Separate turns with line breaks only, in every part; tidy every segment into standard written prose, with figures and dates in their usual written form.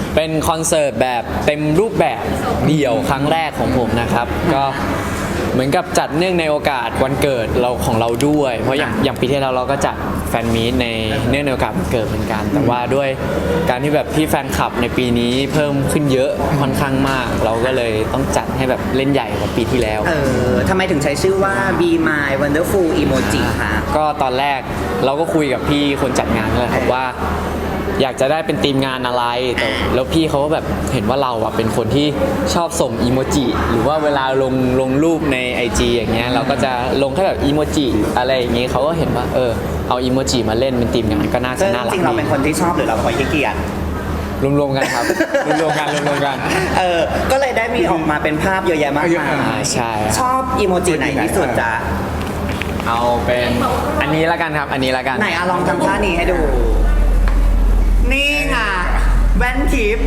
เป็นคอนเสิร์ตแบบเต็มรูปแบบเดี่ยวครั้งแรกของผมนะครับก็เหมือนกับจัดเนื่องในโอกาสวันเกิดเราของเราด้วยเพราะอย่างปีที่แล้วเราก็จัดแฟนมีตในเนื่องในโอกาสวันเกิดเหมือนกัน แต่ว่าด้วยการที่แบบที่แฟนคลับในปีนี้เพิ่มขึ้นเยอะค่อนข้างมาก เราก็เลยต้องจัดให้แบบเล่นใหญ่กว่าปีที่แล้ว
ทำไมถึงใช้ชื่อว่า Be My Wonderful Emoji คะ
ก็ตอนแรกเราก็คุยกับพี่คนจัดงานเลยครับว่าอยากจะได้เป็นทีมงานอะไรแต่แล้วพี่เขาก็แบบเห็นว่าเราอะเป็นคนที่ชอบส่งอีโมจิหรือว่าเวลาลงรูปใน IG อย่างเงี้ยเราก็จะลงแค่แบบอีโมจิอะไรอย่างงี้เขาก็เห็นว่าเอาอีโมจิมาเล่นเป็นทีมงานก็น่าจะน่ารัก
จริงเราเป็นคนที่ชอบหรือเราคอยขี้เกียจ
รวมๆกันครับรวมๆกัน
ก็เลยได้มีออกมาเป็นภาพเยอะแยะมากมาย
ใช่
ชอบอีโมจิไหนที่สุดจ๊ะ
เอาเป็นอันนี้ละกันครับอันนี้ละกัน
ไหนลองทำท่านี้ให้ดูนี่ไงแว่นทิป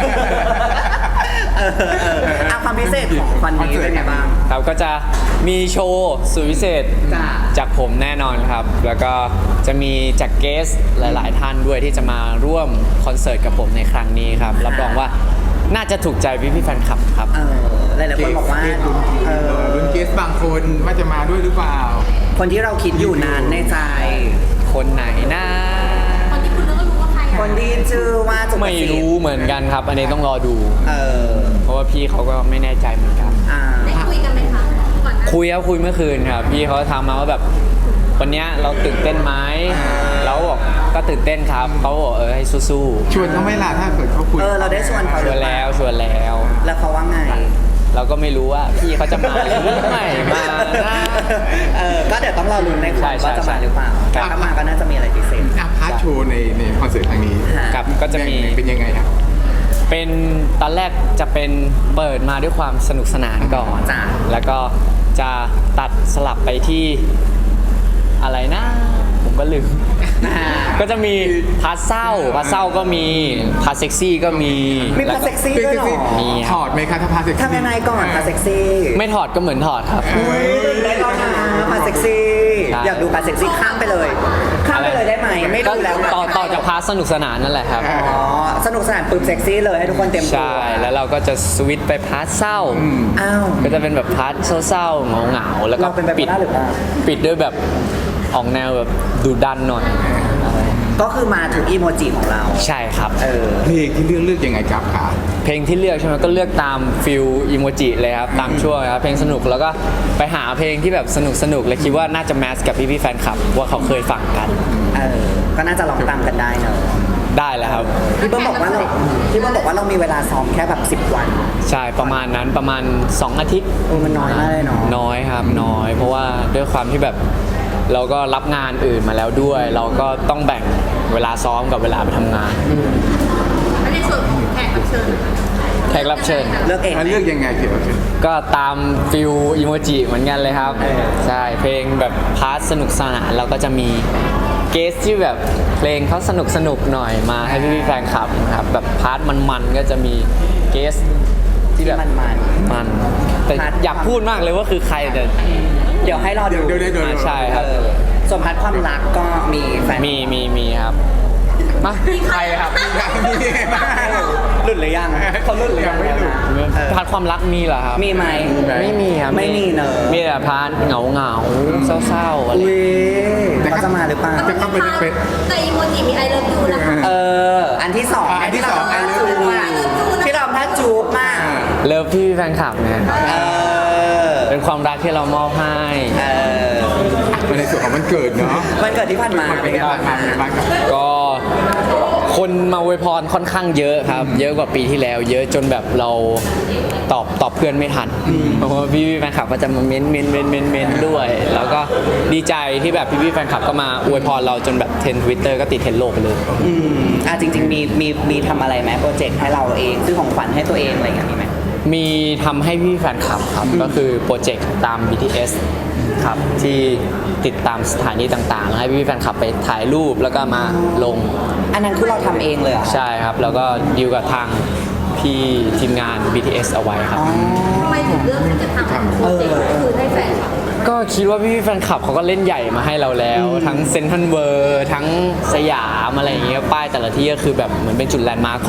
ความพิเศษของวันนี้เป็นไงบ้าง
ครับก็จะมีโชว์สุดพิเศษจากผมแน่นอนครับแล้วก็จะมีจากเกสหลายๆท่านด้วยที่จะมาร่วมคอนเสิร์ตกับผมในครั้งนี้ครับรับรองว่าน่าจะถูกใจพี่แฟนคลับครับ
หลายๆคนบอกว่า
รุ่นเกสบางคนว่าจะมาด้วยหรือเปล่า
คนที่เราคิดอยู่นานในใจ
คนไหนนะ
คนที่ชื่อว่า
ไม่รู้เหมือนกันครับอันนี้ต้องรอดูเพราะว่าพี่เขาก็ไม่แน่ใจเหมือนกัน
ได้คุยกันไหมคะก่อนหน้า
คุยเมื่อคืนครับพี่เขาทำมาว่าแบบวันนี้เราตื่นเต้นไหมแล้วบอกก็ตื่นเต้นครับเขาบอกให้สู้
ๆชวนเขาไม่ล่ะถ้าเกิดเขาคุย
เราได้ชวนเขา
ชวนแล้ว
แล้วเขาว่าไง
เราก็ไม่รู้ว่าพี่เขาจะมาหรือไม่มา
ก็เดี๋ยวต้องรอลุ้นในคอนว่าจะมาหรือเปล่าถ้ามาก็น่าจะมีอะไรพิเศษ
พาร์ทโชว์ในคอนเสิร์ตครั้งนี้
กับก็จะมี
เป็นยังไงครับ
เป็นตอนแรกจะเป็นเปิดมาด้วยความสนุกสนานก่อนแล้วก็จะตัดสลับไปที่อะไรนะผมก็ลืมก็จะมีพาร์ทเศร้าก็มีพาร์ทเซ็กซี่ก็มี
พาร์ทเซ็กซี่ด้วยหรอ
มี
ถอดไหมคะถ้าพาร์ทเซ็กซี่
ทำยังไงก่อนพาร์ทเซ็กซี่
ไม่ถอดก็เหมือนถอดครับ
ได้แล้วนะพาร์ทเซ็กซี่อยากดูพาร์ทเซ็กซี่ข้ามไปเลยได้ไหมไม่ดูแล้ว
ต่อจากพาร์ทสนุกสนานนั่นแหละครับ
สนุกสนานปึ๊บเซ็กซี่เลยให้ทุกคนเต็มตัว
ใช่แล้วเราก็จะสวิตช์ไปพาร์ทเศร้าก็จะเป็นแบบพาร์ทเศร้าๆเหงาแล้วก็ปิดด้วยแบบออกแนวแบบดุดันหน่อย
ก็คือมาถึงอีโมจิของเรา
ใช่ครับ
เพลงที่เลือกยังไงครับค่ะ
เพลงที่เลือกใช่ไหมก็เลือกตามฟิลอีโมจิเลยครับตามช่วงครับเพลงสนุกแล้วก็ไปหาเพลงที่แบบสนุกเลยคิดว่าน่าจะแมสกับพี่แฟนคลับว่าเขาเคยฟังกัน
ก็น่าจะลองตามกันได้เนอะ
ได้แล้วครับ
พี่เบิ้มบอกว่าเรามีเวลาซ้อมแค่แบบ10 วัน
ใช่ประมาณนั้นประมาณ2 อาทิตย์
มันน้อยมากเลยเนาะ
น้อยครับน้อยเพราะว่าด้วยความที่แบบเราก็รับงานอื่นมาแล้วด้วยเราก็ต้องแบ่งเวลาซ้อมกับเวลาไปทำงาน
ในส่วนของแขกรับเชิญ
เลือกเอง
เลือกยังไงพี่
ก็ตามฟิลอีโมจิเหมือนกันเลยครับใช่เพลงแบบพาร์ทสนุกสนานเราก็จะมีเกสที่แบบเพลงเขาสนุกหน่อยมาให้พี่แฟนคลับครับแบบพาร์ทมันก็จะมีเกสที่แบบมันแต่อยากพูดมากเลยว่าคือใครเ
ดี๋ยวให้รอดู
ใช่ครับ
ส่วนพาร์ทความรักก็มีแฟน
มีครับมาใครครับ
หลุดหรือยังเขาหลุดหรือยัง
พาร์ทความรักมีเหรอครับ
มีไหม
ไม่มีครับ
ไม่มีเนอะ
มีแต่พาร์ทเหงาเศร้าอะไร
เขาจะมาหรือเปล่า
จะเข้าไปเป็น
แต่อีโมจิมีไอเลิฟยูนะคะ
อันที่2ที่เราท่าจูบมากที่เราท่าจูบมาก
เลิฟพี่แฟนคลับเนี่ยเป็นความรักที่เรามอบให้
ในส่วนของมันเกิดเนาะ
มันเกิดที่ผ่านมา
ก็คนมาอวยพรค่อนข้างเยอะครับเยอะกว่าปีที่แล้วเยอะจนแบบเราตอบเพื่อนไม่ทันเพราะว่าพี่แฟนคลับก็จะมาเม้นด้วยแล้วก็ดีใจที่แบบพี่แฟนคลับก็มาอวยพรเราจนแบบเทรนด์ Twitter ก็ติดเทรนด์โลกไปเลย
จริงๆมีทำอะไรไหมโปรเจกต์ให้เราเองซื้อของขวัญให้ตัวเองอะไรอย่างนี้ไหม
มีทำให้พี่แฟนคลับครับก็คือโปรเจกต์ตาม BTS ครับที่ติดตามสถานีต่างๆให้พี่แฟนคลับไปถ่ายรูปแล้วก็มาลง
อันนั้นคือเราทำเองเลย
ใช่ครับแล้วก็ดีลกับทางพี่ทีมงาน BTS เอาไว้ครับ
ทำไมถึงเลือกที่จะทำโปรเจกต์คือให้แฟนคลับ
ก็คิดว่าพี่แฟนคลับเขาก็เล่นใหญ่มาให้เราแล้วทั้งเซ็นทรัลเวิลด์ทั้งสยามอะไรอย่างเงี้ยป้ายแต่ละที่ก็คือแบบเหมือนเป็นจุดแลนด์มาร์คของ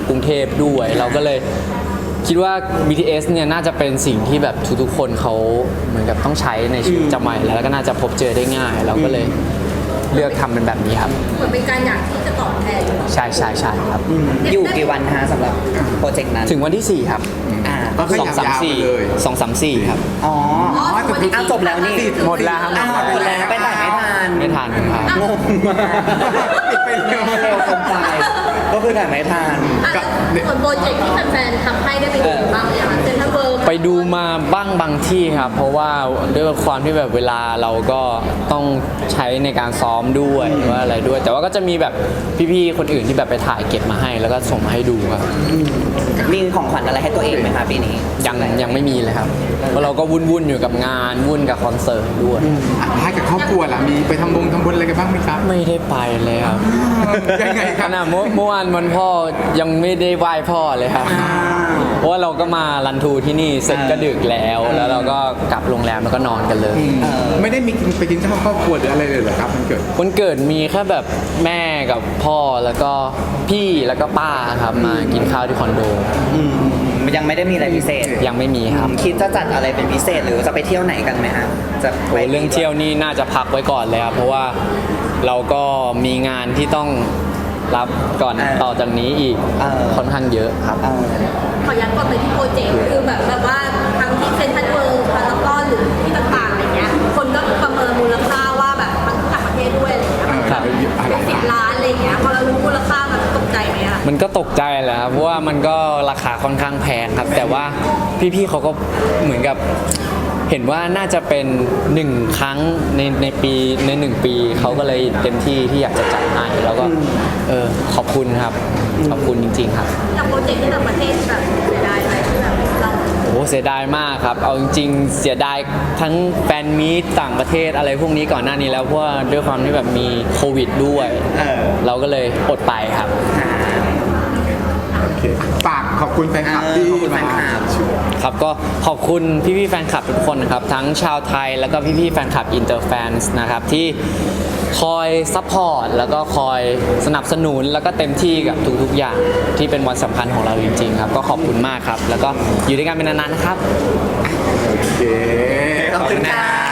กรุงเทพด้วย เราก็เลยคิดว่า BTS เนี่ยน่าจะเป็นสิ่งที่แบบทุกๆคนเขาเหมือนกับต้องใช้ในชีวิตประจำวันแล้วก็น่าจะพบเจอได้ง่าย เราก็เลยเลือกทำเป็นแบบนี้ครับ
เหมือนเป็นการอยากที่จะตอบแทน
ใช่ครับ
อยู่กี่วันฮะสำหรับโปรเจกต์นั้น
ถึงวันที่ 4 ครับ
อ่า
ก็ขยับยาวไปเลย
2-3-4 ครับ
อ๋อ
อ๋อแต่คือ
อ้าวจบแล้วนี่
หมดแล้วครับ
อ้าวหมดแล้วไปถ่ายไม่ทัน
ไม่ทันครับ
งงมาก
ปิดไปเร็ว
เร็วเกินไปก็คือถ่ายไม่ทัน
ส่วนโปรเจกต์ที่แฟนๆทำให้ได้ไปดูบ้างอย่างเซ็นทรัลเวิลด์
ไปดูมาบ้างบางที่ครับ เพราะว่าด้วยความที่แบบเวลาเราก็ต้องใช้ในการซ้อมด้วยว่าอะไรด้วย แต่ว่าก็จะมีแบบพี่ๆคนอื่นที่แบบไปถ่ายเก็บมาให้ แล้วก็ส่งมาให้ดูครับ
มีของขวัญอะไรให้ตัวเองไหมคะปีนี้
ยังไม่มีเลยครับเพราะเราก็วุ่นอยู่กับงานวุ่นกับคอนเสิร์ตด้วย
ให้กับครอบครัวล่ะมีไปทำบุญอะไรกันบ้างไหมครับ
ไม่ได้ไปเลยครับ
ยังไงค
ข
รับ
นาดเมื่อวานวันพ่อยังไม่ได้ไหว้พ่อเลยครับ เพราะว่าเราก็มารันทูที่นี่เสร็จก็ดึกแล้ว แล้วเราก็กลับโรงแรมแล้วก็นอนกันเลย
ไม่ได้มีไปกินข้าวครอบครัวหรืออะไรเลยเหรอครับมันเกิด
วันเกิดมีแค่แบบแม่กับพ่อแล้วก็พี่แล้วก็ป้าครับมากินข้าวที่คอนโด
ยังไม่ได้มีอะไรพิเศษ
ยังไม่มีครับ
คิดจะจัดอะไรเป็นพิเศษหรือจะไปเที่ยวไหนกันไหมฮะจะไป
โอ้เรื่องเที่ยวนี่น่าจะพักไว้ก่อนเลยครับเพราะว่าเราก็มีงานที่ต้องรับก่อนต่อจากนี้อีกค่อนข้างเยอะครับ
ขอย้ำก่อนไปที่โปรเจกต์คือแบบว่าทั้งที่เซ็นทรัลเวิลด์พารากอนหรือที่ต่างๆอะไรเงี้ยคนก็ประเมินมูลค่าว่าแบบทั้งต่างประเทศด้วยอะไรเงี้ย
ครับ
เป็น10 ล้านอะไรเงี้ยพอเรารู้มูลค่ามันตกใจไหมอะ
มันก็ตกใจแหละครับเพราะว่ามันก็ราคาค่อนข้างแพงครับ แต่ว่าพี่ๆเขาก็เหมือนกับเห็นว่าน่าจะเป็น1 ครั้งในปีใน1 ปีเขาก็เลยเต็มที่ที่อยากจะจัดให้แล้วก็ขอบคุณครับขอบคุณจริงๆครับ
จากโปรเจกต์ที่ต่างประเทศแบบเสียดายไหมที่แบบเรา
โอ้เสียดายมากครับเอาจริงๆเสียดายทั้งแฟนมีตต่างประเทศอะไรพวกนี้ก่อนหน้านี้แล้วเพราะว่าด้วยความที่แบบมีโควิดด้วย เราก็เลยอดไปครับ
โอเคฝากขอบคุณแฟนคลับที่
ขอบคุณแฟ
มาน
คลับ
ครับก็ขอบคุณพี่ๆแฟนคลับทุกคนนะครับทั้งชาวไทยแล้วก็พี่ๆแฟนคลับอินเตอร์แฟนนะครับที่คอยซัพพอร์ตแล้วก็คอยสนับสนุนแล้วก็เต็มที่กับทุกๆอย่างที่เป็นวันสำคัญของเราจริงๆครับก็ขอบคุณมากครับแล้วก็อยู่ด้วยกันเป็นนานๆนะครับ
โอเค
ขอบคุณค่ะ